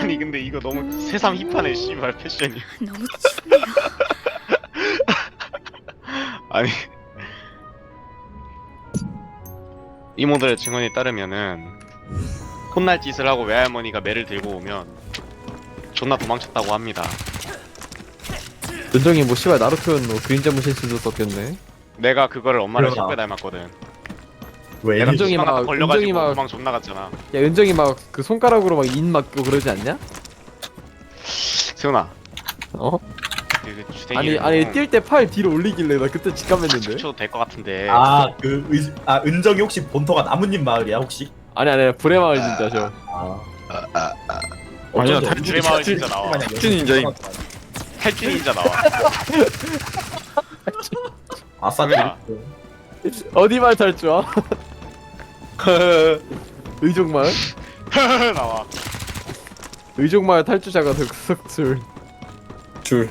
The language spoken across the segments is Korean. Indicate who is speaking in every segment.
Speaker 1: 아니 근데 이거 너무 새삼 힙하네 씨발 패션이.
Speaker 2: 너무 춥네요.
Speaker 1: 아니 이모들의 증언에 따르면은 혼날 짓을 하고 외할머니가 매를 들고 오면 존나 도망쳤다고 합니다.
Speaker 3: 은정이 뭐 씨발 나루토였노 그림자 무실수도 썼겠네.
Speaker 1: 내가 그거를 엄마를
Speaker 4: 그러나.
Speaker 1: 10배 닮았거든.
Speaker 4: 왜?
Speaker 1: 내가
Speaker 3: 은정이
Speaker 1: 수박
Speaker 3: 막-
Speaker 1: 갖다 걸려가지고
Speaker 3: 은정이 막-
Speaker 1: 도망 존나 갔잖아.
Speaker 3: 야 은정이 막 그 손가락으로 막 인 맞고 그러지 않냐?
Speaker 1: 세훈아
Speaker 3: 어?
Speaker 1: 그 주댕이
Speaker 3: 아니 뛸 때 팔 뒤로 올리길래 나 그때 직감했는데.
Speaker 1: 쳐도 될 것 같은데.
Speaker 4: 은정이 혹시 본토가 나뭇잎 마을이야 혹시?
Speaker 3: 아니 브레마을 진짜 저.
Speaker 5: 아니야,
Speaker 1: 탈출의 마을 진짜 나와.
Speaker 5: 탈출인자임.
Speaker 1: 탈출 닌자 나와.
Speaker 4: 아싸
Speaker 1: 그러니까.
Speaker 3: 어디 말 탈 줄 아? 의족마을?
Speaker 1: 나와.
Speaker 3: 의족마을 탈주자가 득석술.
Speaker 5: 줄.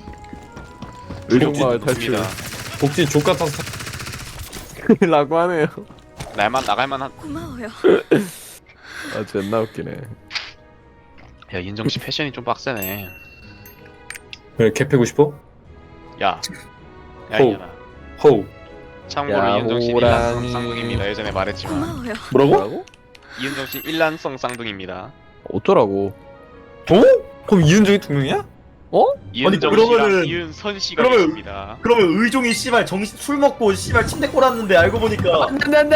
Speaker 3: 의족마을 탈출.
Speaker 1: 좋습니다.
Speaker 5: 복진 족같아서
Speaker 3: 라고 하네요.
Speaker 1: 날만 나갈만한.
Speaker 2: 고마워요.
Speaker 3: 아 존나 웃기네.
Speaker 1: 야 인정 씨 패션이 좀 빡세네.
Speaker 5: 왜 캡해고 싶어?
Speaker 1: 야. 야
Speaker 5: 호우.
Speaker 1: 이년아.
Speaker 5: 호우.
Speaker 1: 참고로
Speaker 3: 야,
Speaker 1: 이은정 씨
Speaker 3: 호랑이.
Speaker 1: 일란성 쌍둥이입니다. 예전에 말했지만
Speaker 2: 고마워요.
Speaker 5: 뭐라고?
Speaker 1: 이은정 씨 일란성 쌍둥이입니다.
Speaker 3: 어쩌라고?
Speaker 5: 어? 그럼 이은정이 두 명이야?
Speaker 1: 이은정
Speaker 4: 그러면은-
Speaker 1: 씨랑 이은선 씨가
Speaker 4: 그러면-
Speaker 1: 있습니다.
Speaker 4: 그러면 의종이 씨발 정신 술 먹고 씨발 침대 꼬랐는데 알고 보니까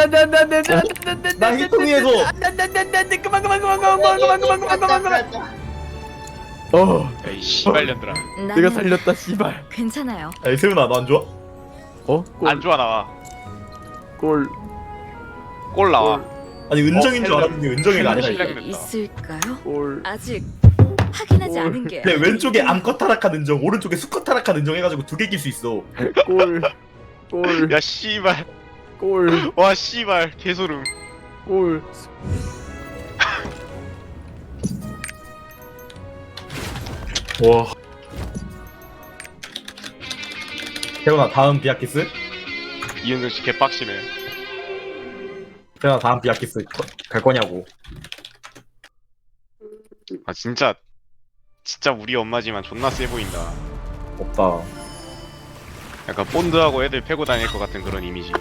Speaker 4: 나 희통이에서
Speaker 3: 그만. 어,
Speaker 1: 야이 씨발년들아.
Speaker 3: 내가 살렸다 씨발.
Speaker 2: 괜찮아요.
Speaker 4: 아니 세훈아 너 안 좋아?
Speaker 3: 어?
Speaker 1: 안 좋아 나와.
Speaker 3: 골.
Speaker 1: 골 나와.
Speaker 4: 아니 은정인 줄
Speaker 1: 헬멧.
Speaker 4: 알았는데 은정이가 아니라
Speaker 1: 헬멧.
Speaker 4: 이게.
Speaker 2: 있을까요?
Speaker 3: 골.
Speaker 2: 아직 확인하지
Speaker 3: 올.
Speaker 2: 않은 게.
Speaker 4: 내 왼쪽에 암컷 타락한 은정 오른쪽에 수컷 타락한 은정 해가지고 두 개 낄 수 있어.
Speaker 3: 골. 골.
Speaker 1: 야 씨발.
Speaker 3: 골.
Speaker 1: 와 씨발 개소름.
Speaker 3: 골.
Speaker 5: 와.
Speaker 4: 세훈아 다음 비아키스?
Speaker 1: 이은정 씨 개빡치네.
Speaker 4: 세훈아 다음 비아키스 갈 거냐고.
Speaker 1: 아 진짜 우리 엄마지만 존나 세 보인다.
Speaker 4: 없다.
Speaker 1: 약간 본드하고 애들 패고 다닐 것 같은 그런 이미지.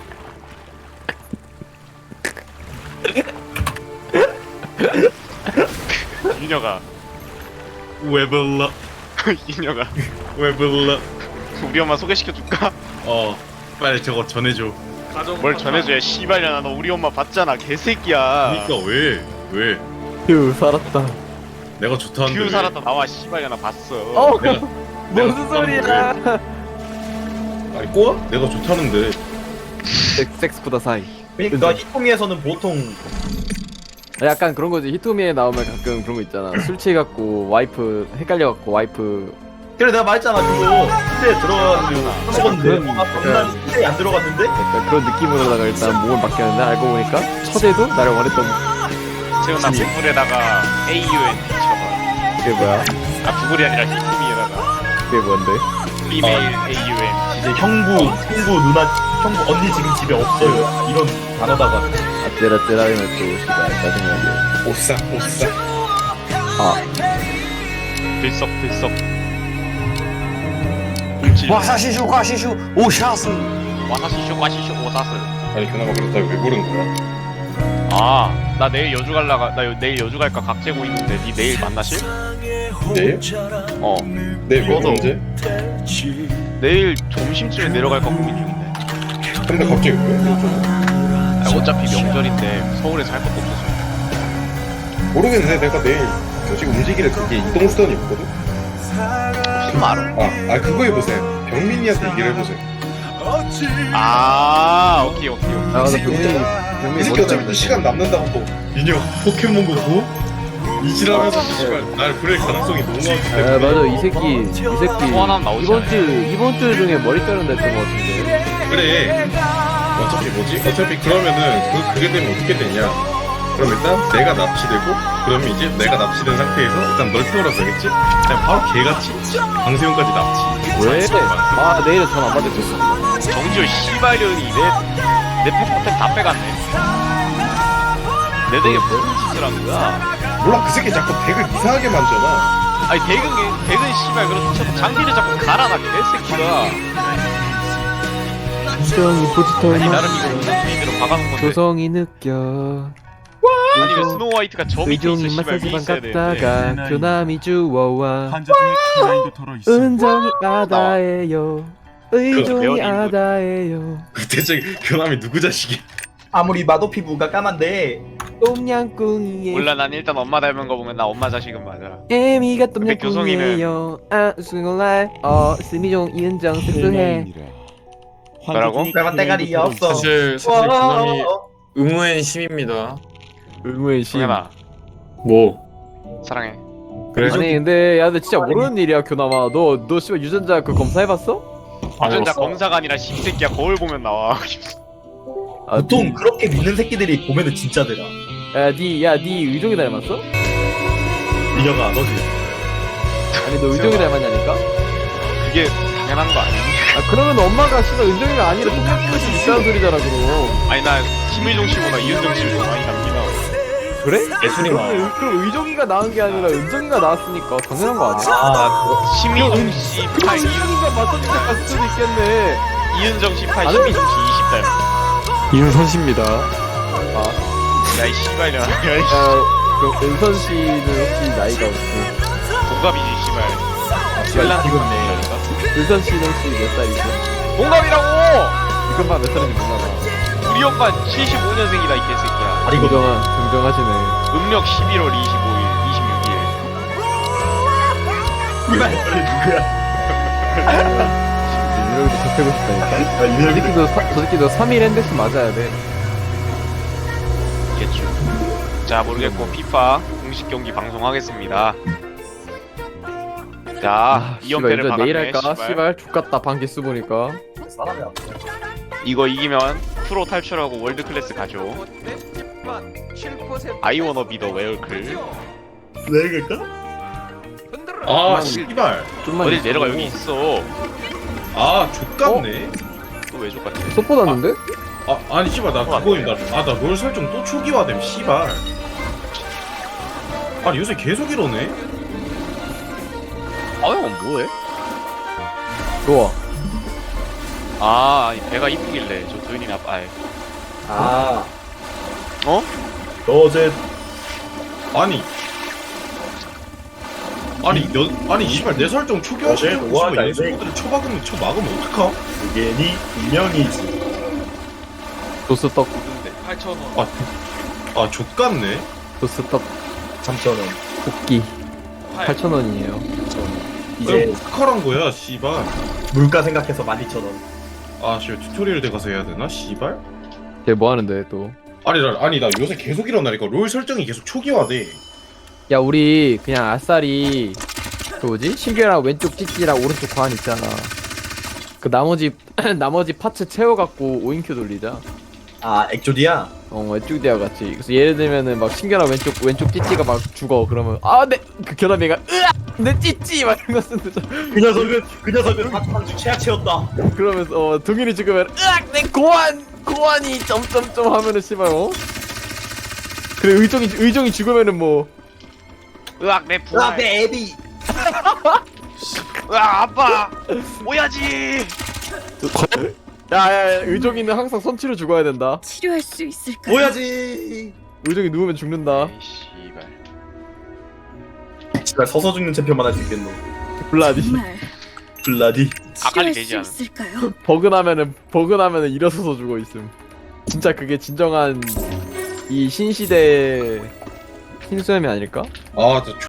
Speaker 1: 이녀가
Speaker 4: 왜 불러?
Speaker 1: 이녀가
Speaker 4: 왜 불러?
Speaker 1: 우리 엄마 소개시켜줄까?
Speaker 4: 빨리 저거 전해줘.
Speaker 1: 뭘 전해줘야 씨발년아. 너 우리 엄마 봤잖아 개새끼야.
Speaker 4: 왜? 왜?
Speaker 3: 휴 살았다.
Speaker 4: 내가 좋다는데.
Speaker 1: 큐 살았다 나와 씨발년아 봤어.
Speaker 3: 어.
Speaker 4: 내가
Speaker 3: 무슨 소리야?
Speaker 4: 아니 꼬아? 내가 좋다는데.
Speaker 3: 섹스보다 사이.
Speaker 4: 그러니까 히토미에서는 보통
Speaker 3: 약간 그런 거지. 히토미에 나오면 가끔 그런 거 있잖아. 술 취해갖고 와이프 헷갈려갖고 와이프.
Speaker 4: 그래 내가 말했잖아 그거 침대에 들어가가지고
Speaker 3: 그런-
Speaker 4: 난 침대에 안 들어갔는데
Speaker 3: 약간 그런 느낌으로다가 일단 몸을 바뀌었는데 알고 보니까 첫에도 나를 원했던
Speaker 1: 세훈아 구글에다가 AUN 쳐봐.
Speaker 3: 그게 뭐야?
Speaker 1: 아 구글이 아니라 히토미에다가
Speaker 3: 그게 뭔데?
Speaker 1: 이메일 AUN.
Speaker 4: 이제 형부 누나 형부 언니 지금 집에 없어요 이런 단어다가
Speaker 3: 아찔아찔하면 또 씨발 짜증나게.
Speaker 5: 오싸.
Speaker 3: 아
Speaker 1: 들썩 움찔
Speaker 5: 와사시슈 과시슈 오샤스.
Speaker 1: 와사시쇼 과시쇼 오사스.
Speaker 5: 아니 그나마 그렇다고 왜 부른 거야?
Speaker 1: 아 나 내일 여주 갈라가 내일 여주 갈까 각 재고 있는데 니 내일 만나실?
Speaker 5: 내일?
Speaker 1: 어
Speaker 5: 내일 몇
Speaker 1: 너도.
Speaker 5: 언제?
Speaker 1: 내일 점심쯤에 내려갈까 고민 중인데.
Speaker 5: 근데 갑자기 왜?
Speaker 1: 아, 어차피 명절인데 서울에서 할 것도 없어서.
Speaker 5: 모르겠는데 내가 내일 지금 움직이는 그게 이동수단이 없거든?
Speaker 1: 무슨 말을?
Speaker 5: 아 그거 해보세요. 병민이한테 얘기를 해보세요.
Speaker 1: 아 오케이.
Speaker 3: 나 근데
Speaker 5: 이
Speaker 3: 병민이
Speaker 5: 새끼 어차피 시간 남는다고 또
Speaker 4: 인형 포켓몬고 뭐? 이지라면서 씨발 날 부릴 가능성이 너무 많기
Speaker 3: 아 맞아 이 새끼
Speaker 1: 또 하나 나오지
Speaker 3: 이번 주 중에 머리 자른다 했던 거 같은데.
Speaker 5: 그래. 어차피 뭐지? 어차피 그러면은 그게 되면 어떻게 되냐? 그럼 일단 내가 납치되고 그러면 이제 내가 납치된 상태에서 일단 널 태우라 그러겠지? 그냥 바로 개같이 방세훈까지 납치.
Speaker 3: 왜? 아 내일은 전안 받을 거.
Speaker 1: 정지호 씨발년이 내 팩포텐 다 빼갔네. 내 덱에 무슨 짓을 한 거야?
Speaker 5: 몰라 그 새끼 자꾸 덱을 이상하게 만져놔.
Speaker 1: 아니 대근 씨발 그렇지 쳐도 장비를 자꾸 갈아놔 개새끼가.
Speaker 3: 조성이
Speaker 1: 아니
Speaker 3: 포지터만
Speaker 1: 나름 이거 우선순위대로 박아놓은 건데.
Speaker 3: 조성이 느껴
Speaker 1: 아니 왜 스노우 화이트가 저 밑에 있어
Speaker 3: 의종이
Speaker 1: 씨발 위에
Speaker 3: 마사지방
Speaker 1: 있어야 되는데.
Speaker 3: 갔다가 교남이 주워와
Speaker 6: 환자 중에 키라인도 털어 있어.
Speaker 3: 은정이 아다예요 의종이
Speaker 1: 배워진 거.
Speaker 3: 아다예요
Speaker 5: 대체 교남이 누구 자식이야?
Speaker 4: 아무리 봐도 피부가 까만데
Speaker 3: 똠양꿍이에요
Speaker 1: 몰라 난 일단 엄마 닮은 거 보면 나 엄마 자식은 맞아.
Speaker 3: 애미가
Speaker 1: 근데
Speaker 3: 똠양꿍이에요 아 수고날 스미종 이은정 섹스해
Speaker 1: 뭐라고?
Speaker 4: 까만 때가리 없어.
Speaker 7: 사실
Speaker 4: 와,
Speaker 7: 그남이 의무의 힘입니다.
Speaker 3: 의무의 심
Speaker 1: 동현아
Speaker 7: 뭐
Speaker 1: 사랑해.
Speaker 7: 그래?
Speaker 3: 아니 근데 야 근데 진짜 모르는 일이야 교남아 너 씨발 유전자 그 검사해봤어?
Speaker 1: 유전자 검사가 아니라 씹새끼야 거울 보면 나와.
Speaker 3: 아,
Speaker 4: 보통 그렇게 믿는 새끼들이 보면은 진짜더라.
Speaker 3: 야니 의종이 닮았어?
Speaker 4: 민혁아 너지.
Speaker 3: 아니 너 의종이 닮았냐니까?
Speaker 1: 그게 당연한 거 아니야?
Speaker 3: 아 그러면 엄마가 씨발 은정이가 아니라 똑같은 수 있다는 소리잖아 그럼
Speaker 1: 아니 나 김일종 씨보다 이은정 씨를 더 많이 닮기다.
Speaker 3: 그래?
Speaker 7: 예술이만.
Speaker 3: 그럼 의종이가 낳은 게 아니라 은정이가 낳았으니까 당연한 거 아니야?
Speaker 4: 아
Speaker 1: 심희종 씨 8,
Speaker 3: 은정이가 맞춰주자 갔을 수도 있겠네
Speaker 1: 이은정 씨 8,
Speaker 3: 아니.
Speaker 1: 심희종 씨 20 닮아.
Speaker 3: 이은선씨입니다
Speaker 1: 야이 씨발이야. 야이
Speaker 3: 그럼 은선 씨는 혹시 나이가 어떻게?
Speaker 1: 동갑이지 씨발. 신랑 지금네.
Speaker 3: 은선 씨는 혹시 몇 살이죠?
Speaker 1: 동갑이라고.
Speaker 3: 이것만 몇 살인지 몰라
Speaker 1: 우리 오빠 75년생이다 이 개새끼야.
Speaker 4: 아니 이거
Speaker 3: 정정하시네
Speaker 1: 음력 11월 25일, 26일.
Speaker 4: 이말 누구야?
Speaker 3: 이렇게 접해고 싶다니까 저 새끼도 3일 핸드스 맞아야 돼
Speaker 1: 겠죠. 자 모르겠고 피파 공식 경기 방송하겠습니다. 자
Speaker 3: 씨발
Speaker 1: 2연패를
Speaker 3: 이제 내일
Speaker 1: 박았네.
Speaker 3: 할까?
Speaker 1: 씨발.
Speaker 3: 씨발 족같다 방기수 보니까
Speaker 4: 사람이 없어.
Speaker 1: 이거 이기면 프로 탈출하고 월드 클래스 가죠. I wanna be the 웨어클.
Speaker 4: 내가
Speaker 5: 아 씨발.
Speaker 3: 좀만
Speaker 1: 어딜
Speaker 3: 있어.
Speaker 1: 내려가 여기 있어.
Speaker 5: 아 족같네.
Speaker 1: 또 왜 족같아?
Speaker 3: 쏟보다는데?
Speaker 5: 아니 씨발 나 그거임 나롤 설정 또 초기화됨 씨발. 아니 요새 계속 이러네.
Speaker 1: 아 형은 뭐해?
Speaker 3: 좋아
Speaker 1: 아 아니 배가 이쁘길래 저 도현이나 아이.
Speaker 4: 아
Speaker 1: 어?
Speaker 4: 너 어제
Speaker 5: 아니 씨발 내 설정 초기화
Speaker 4: 어제
Speaker 5: 시키고
Speaker 4: 뭐하다,
Speaker 5: 씨발
Speaker 4: 이제?
Speaker 5: 연습모드를 쳐막으면 어떡함?
Speaker 4: 그게 니 운명이지.
Speaker 3: 도스떡
Speaker 1: 근데 8,000원.
Speaker 5: 아 족같네.
Speaker 3: 도스떡
Speaker 4: 3,000원.
Speaker 3: 볶기 8,000원이에요
Speaker 4: 이제
Speaker 5: 이제 스카란 거야 씨발.
Speaker 4: 물가 생각해서 12,000원.
Speaker 5: 아 씨발 튜토리얼 돼 가서 해야 되나 씨발?
Speaker 3: 걔 뭐하는데 또
Speaker 5: 아니 나 요새 계속 이러나니까 롤 설정이 계속 초기화돼.
Speaker 3: 야 우리 그냥 아싸리 그 뭐지? 신규랑 왼쪽 찌찌랑 오른쪽 과안 있잖아 그 나머지 파츠 채워갖고 5인큐 돌리자
Speaker 4: 아 액조디야?
Speaker 3: 왼쪽 대와 같이 그래서 예를 들면은 막 신규랑 왼쪽 찌찌가 막 죽어 그러면 그 견아미가 으악 내 찌찌 막 이런 거 쓰는
Speaker 4: 그 녀석은 한주 최악 채웠다.
Speaker 3: 그러면서 동일이 죽으면 으악 내 고환이 점점점 하면은 씨발 그래 의종이 죽으면은 뭐
Speaker 1: 으악 내 부활.
Speaker 4: 내 애비.
Speaker 1: 으악 아빠. 오야지.
Speaker 3: 야야 의종이는 항상 선치로 죽어야 된다
Speaker 2: 치료할 수 있을까요?
Speaker 4: 뭐야지.
Speaker 3: 의종이 누우면 죽는다
Speaker 1: 에이, 씨발.
Speaker 4: 진짜 서서 죽는 챔피언만 할 수 있겠노.
Speaker 3: 블라디
Speaker 2: 정말
Speaker 4: 블라디.
Speaker 1: 아칼리
Speaker 2: 치료할
Speaker 1: 되지
Speaker 2: 수
Speaker 1: 않아?
Speaker 2: 있을까요?
Speaker 3: 버그나면은 일어서서 죽어 있음 진짜 그게 진정한 이 신시대 흰수염이 아닐까?
Speaker 5: 아저